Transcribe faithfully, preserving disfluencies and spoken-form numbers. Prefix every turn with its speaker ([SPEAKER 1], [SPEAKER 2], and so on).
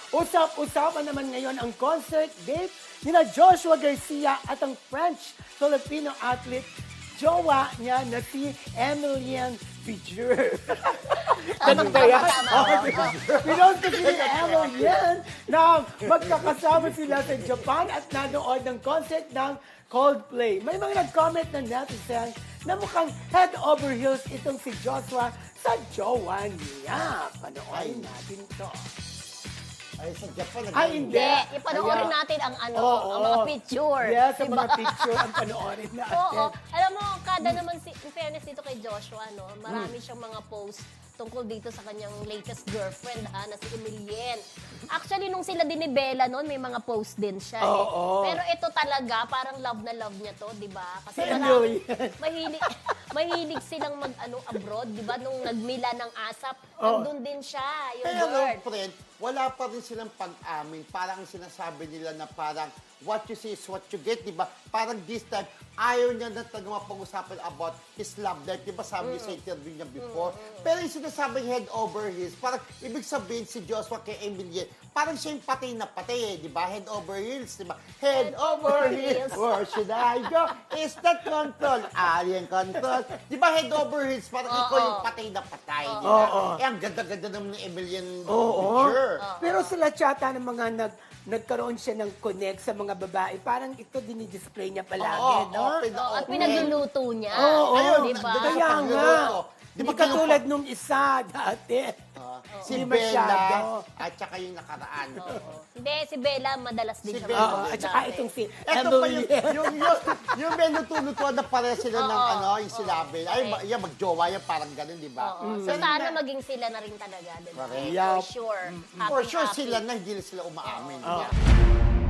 [SPEAKER 1] Usap-usapan naman ngayon ang concert date nila Joshua Garcia at ang French-Filipino athlete jowa niya na si Emilian Figure. Ganun ba yan? Pinost ko si Emilian na magkakasama sila sa Japan at nanood ng concert ng Coldplay. May mga nag-comment na netizen na mukhang head over heels itong si Joshua sa jowa niya. Panoorin natin to.
[SPEAKER 2] Ay, sa Japan.
[SPEAKER 1] Ay, hindi.
[SPEAKER 3] Hindi, ipanoorin
[SPEAKER 1] Kaya-
[SPEAKER 3] natin ang ano,
[SPEAKER 1] Oo.
[SPEAKER 3] ang mga picture.
[SPEAKER 1] Yes, ang
[SPEAKER 3] Diba?
[SPEAKER 1] mga picture ang panoorin natin.
[SPEAKER 3] Oo. Alam mo, kada naman, si, in fairness dito kay Joshua, no, marami
[SPEAKER 1] Hmm.
[SPEAKER 3] siyang mga posts tungkol dito sa kanyang latest girlfriend, ha, na si Emilien. Actually, nung sila din ni Bella noon, may mga post din siya. eh.
[SPEAKER 1] Oo.
[SPEAKER 3] Pero ito talaga, parang love na love niya to, di ba? Kasi
[SPEAKER 1] Si
[SPEAKER 3] marami,
[SPEAKER 1] Emilien.
[SPEAKER 3] mahilig, mahilig silang mag, ano, abroad, di ba? Nung nagmila ng asap,
[SPEAKER 1] Oo.
[SPEAKER 3] nandun din siya, yung
[SPEAKER 2] Pero,
[SPEAKER 3] word.
[SPEAKER 2] friend, wala pa rin silang pag-amin. Parang sinasabi nila na parang what you see is what you get, di ba? Parang this time, ayaw niya na talaga mapag-usapan about his love life. Di ba sabi niya sa interview niya before? Pero yung sinasabing head over heels, parang ibig sabihin si Joshua kay Emilian, parang siya yung patay na patay eh, di ba? Head over heels, di ba? Head over heels, where should I go? Is that control? Alien control. Di ba head over heels, parang ikaw yung patay na patay, di ba?
[SPEAKER 1] Oo.
[SPEAKER 2] Eh, ang ganda-ganda naman ni Emilian
[SPEAKER 1] Oo.
[SPEAKER 2] picture.
[SPEAKER 1] Pero sila tsata ng mga nag nagkaroon siya ng connect sa mga babae. Parang ito dinidisplay niya palagi,
[SPEAKER 2] Oo,
[SPEAKER 1] no?
[SPEAKER 2] open na
[SPEAKER 3] Oo, at
[SPEAKER 2] open.
[SPEAKER 3] pinagluluto niya.
[SPEAKER 1] Oo,
[SPEAKER 2] Ayun,
[SPEAKER 3] di ba?
[SPEAKER 2] nandun sa
[SPEAKER 1] Kaya nga.
[SPEAKER 2] pagluluto. Di
[SPEAKER 1] Di
[SPEAKER 2] ba
[SPEAKER 1] ba katulad nung isa dati?
[SPEAKER 2] Ah, si
[SPEAKER 1] Hindi
[SPEAKER 2] Bella
[SPEAKER 1] masyado.
[SPEAKER 2] at saka yung nakaraan.
[SPEAKER 3] Hindi, si Bella madalas din
[SPEAKER 2] Si
[SPEAKER 3] siya.
[SPEAKER 2] Bella.
[SPEAKER 1] Oo,
[SPEAKER 3] mag-post
[SPEAKER 1] at saka
[SPEAKER 3] dati.
[SPEAKER 1] itong si
[SPEAKER 2] Ito pa yung,
[SPEAKER 1] Emilian.
[SPEAKER 2] yung, yung, yung menutunutuan na pare sila ng
[SPEAKER 3] Oo.
[SPEAKER 2] ano, yung silabi. Ay, ma- yan, magjowa yan, parang ganun, di ba?
[SPEAKER 3] Oo. So, sana maging sila na rin talaga. Diba?
[SPEAKER 2] Correct.
[SPEAKER 1] Yeah.
[SPEAKER 3] For sure.
[SPEAKER 2] For
[SPEAKER 3] Happy,
[SPEAKER 2] sure
[SPEAKER 3] happy.
[SPEAKER 2] sila na, hindi sila umaamin.
[SPEAKER 1] Oo.
[SPEAKER 2] Yeah.